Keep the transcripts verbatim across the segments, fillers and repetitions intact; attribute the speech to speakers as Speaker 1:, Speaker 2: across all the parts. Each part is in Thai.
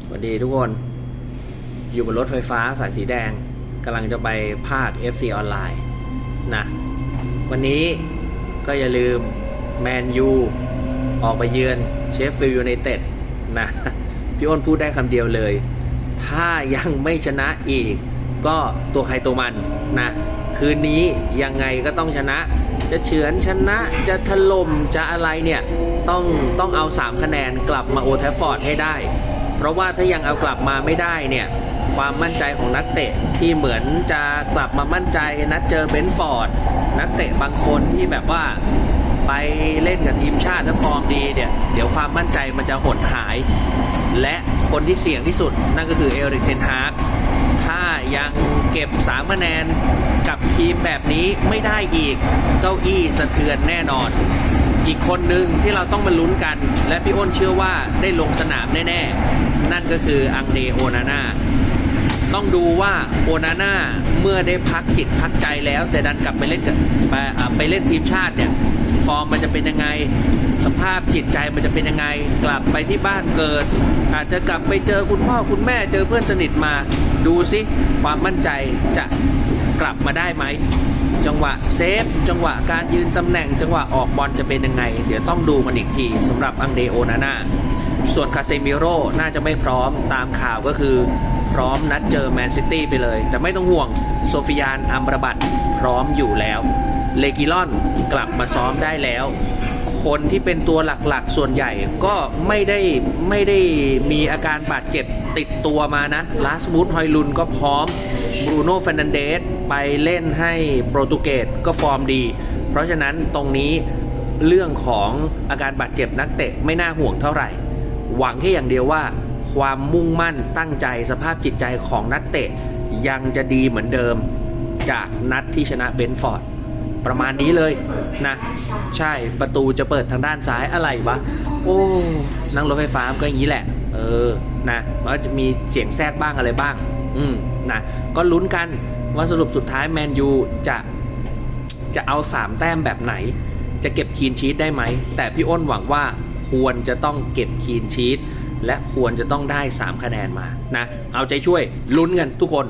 Speaker 1: สวัสดีทุกคนอยู่บนรถไฟฟ้าสายสีแดงกำลังจะไปภาค เอฟ ซี ออนไลน์นะวันนี้ก็อย่าลืมแมนยูออกไปเยือนเชฟฟิลด์ยูไนเต็ดนะพี่อ้นพูดได้คำเดียวเลยถ้ายังไม่ชนะอีกก็ตัวใครตัวมันนะคืนนี้ยังไงก็ต้องชนะจะเฉือนชนะจะถล่มจะอะไรเนี่ยต้องต้องเอาสามคะแนนกลับมาโอลด์แทรฟฟอร์ดให้ได้เพราะว่าถ้ายังเอากลับมาไม่ได้เนี่ยความมั่นใจของนักเตะที่เหมือนจะกลับมามั่นใจนัดเจอเบนฟอร์ดนักเตะบางคนที่แบบว่าไปเล่นกับทีมชาติแล้วฟอร์มดีเนี่ยเดี๋ยวความมั่นใจมันจะหดหายและคนที่เสี่ยงที่สุดนั่นก็คือเอริก เทนฮากถ้ายังเก็บสามคะแนนกับทีมแบบนี้ไม่ได้อีกเก้าอี้สะเทือนแน่นอนอีกคนหนึ่งที่เราต้องมาลุ้นกันและพี่อ้นเชื่อว่าได้ลงสนามแน่ๆนั่นก็คืออังเดโอนาน่าต้องดูว่าโอนาน่าเมื่อได้พักจิตพักใจแล้วแต่ดันกลับไปเล่นกับไปไปเล่นทีมชาติเนี่ยฟอร์มมันจะเป็นยังไงสภาพจิตใจมันจะเป็นยังไงกลับไปที่บ้านเกิดอาจจะกลับไปเจอคุณพ่อคุณแม่เจอเพื่อนสนิทมาดูซิความมั่นใจจะกลับมาได้ไหมจังหวะเซฟจังหวะการยืนตำแหน่งจังหวะออกบอลจะเป็นยังไงเดี๋ยวต้องดูกันอีกทีสำหรับอังเดโอนาน่าส่วนคาเซมิโร่น่าจะไม่พร้อมตามข่าวก็คือพร้อมนัดเจอแมนซิตี้ไปเลยแต่ไม่ต้องห่วงโซฟิยานอัมราบัตพร้อมอยู่แล้วเลกิลอนกลับมาซ้อมได้แล้วคนที่เป็นตัวหลักๆส่วนใหญ่ก็ไม่ได้ไม่ได้มีอาการบาดเจ็บติดตัวมานะลาสมูธฮอยลุนก็พร้อมบรูโน่ เฟร์นันเดสไปเล่นให้โปรตุเกสก็ฟอร์มดีเพราะฉะนั้นตรงนี้เรื่องของอาการบาดเจ็บนักเตะไม่น่าห่วงเท่าไหร่หวังแค่อย่างเดียวว่าความมุ่งมั่นตั้งใจสภาพจิตใจของนักเตะยังจะดีเหมือนเดิมจากนัดที่ชนะเบนฟอร์ดประมาณนี้เลยนะใช่ประตูจะเปิดทางด้านซ้ายอะไรวะโอ้นั่งรถไฟฟ้าก็อย่างนี้แหละเออนะมันจะมีเสียงแทรกบ้างอะไรบ้างอืมนะก็ลุ้นกันว่าสรุปสุดท้ายแมนยูจะจะเอาสามแต้มแบบไหนจะเก็บคีนชีทได้ไหมแต่พี่อ้นหวังว่าควรจะต้องเก็บคีนชีทและควรจะต้องได้สามคะแนนมานะเอาใจช่วยลุ้นกันทุกคน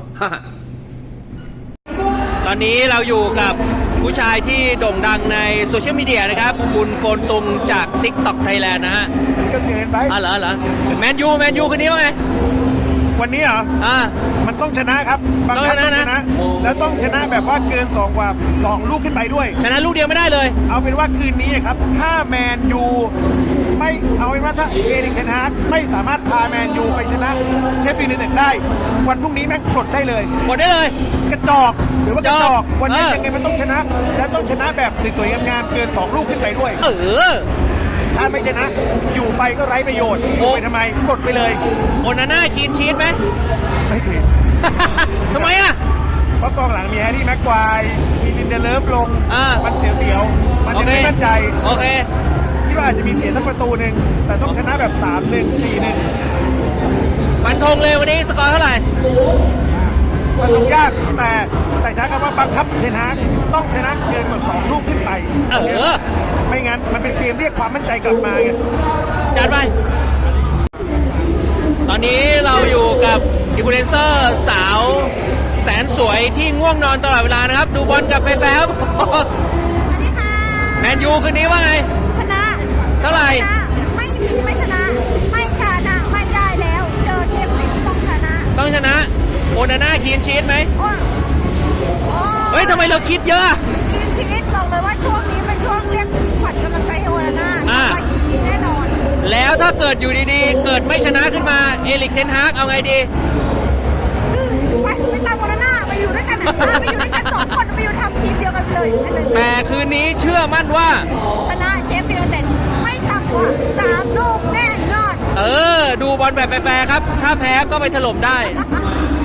Speaker 1: ตอนนี้เราอยู่กับผู้ชายที่โด่งดังในโซเชียลมีเดียนะครับคุณโฟนตุงจาก TikTok Thailand นะฮะ
Speaker 2: ก็เกินไป
Speaker 1: อ๋อเหรอเหรอแมนยูแมนยูคืนนี้ว่าไง
Speaker 2: วันนี้เหรออ่า
Speaker 1: มั
Speaker 2: นต้องชนะครับ
Speaker 1: ต้องชนะนะ
Speaker 2: แล้วต้องชนะแบบว่าเกินสองกว่าสองลูกขึ้นไปด้วย
Speaker 1: ชนะลูกเดียวไม่ได้เลย
Speaker 2: เอาเป็นว่าคืนนี้ครับถ้าแมนยูไม่เอาเป็นว่าถ้าเอริก เทนฮากไม่สามารถพาแมนยูไปชนะเชฟฟิลด์ยูไนเต็ดได้วันพรุ่งนี้แม่งกดได้เลย
Speaker 1: กดได้เลย
Speaker 2: กระจอกหรือว่ากระจอกวันนี้ยังไงมันต้องชนะและต้องชนะแบบสวยๆงามๆเกินสองลูกขึ้นไปด้วย
Speaker 1: เออ
Speaker 2: ถ้าไม่ชนะอยู่ไปก็ไร้ประโยชน์อยู่ไปทำไมกดไปเลย
Speaker 1: โอนาน่าคีนชีทไหม
Speaker 2: ไม่คืน
Speaker 1: ทำไมอ่ะ
Speaker 2: เพราะกองหลังมีแฮร์รี่แม็กควายมีลินเดเลฟลงมันเสียวๆมันยังไม่มั่นใจ
Speaker 1: โอเค
Speaker 2: คิดว่าอาจจะมีเสียสักประตูหนึ่งแต่ต้องชนะแบบ สามหนึ่ง สี่หนึ่ง
Speaker 1: ฟันธงเลยวันนี้สกอร์เท่าไหร่
Speaker 2: มันต้องยากแต่แต่ใช้คำว่าบังคับเทนฮากต้องชนะเกินกว่าสองลูกขึ้นไป
Speaker 1: เออ
Speaker 2: ไม่งั้นมันเป็นเกมเรียกความมั่นใจกลับมาไง
Speaker 1: จัดไปตอนนี้เราอยู่กับอินฟลูเอนเซอร์สาวแสนสวยที่ง่วงนอนตลอดเวลานะครับดูบอลกับแฟนๆครับ
Speaker 3: สวัสดีค่ะ
Speaker 1: แมนยูคืนนี้ว่าไง
Speaker 3: ชนะ
Speaker 1: เท่าไหร่
Speaker 3: ไม่มีไม่ชนะไม่ชนะไม่ได้แล้วเจอเชฟฟิลด์ต้องชนะ
Speaker 1: ต้องชนะโอนาน่าคีนชีทไหมเฮ้ยทำไมเราคิดเยอะ
Speaker 3: คีนชีทบอกเลยว่าช่วงนี้เป็นช่วงเรียกขวัญกำลังใจโอนาน่าว่าคีนชีทแน่นอน
Speaker 1: แล้วถ้าเกิดอยู่ดีๆเกิดไม่ชนะขึ้นมาเอริก เทนฮากเอาไงดี
Speaker 3: ไปไปตามโอนาน่าไปอยู่ด้วยกันนะไปอยู่ด้วยกันสองคนไปอยู่ทำทีมเดียวกันเลย
Speaker 1: แต่คืนนี้เชื่อมั่นว่า
Speaker 3: ชนะเชฟฟิลด์ยูไนเต็ดไม่ต่ำกว่าสามลูกแน่นอน
Speaker 1: เออดูบอลแบบแฟร์ๆครับถ้าแพ้ก็ไปถล่มได้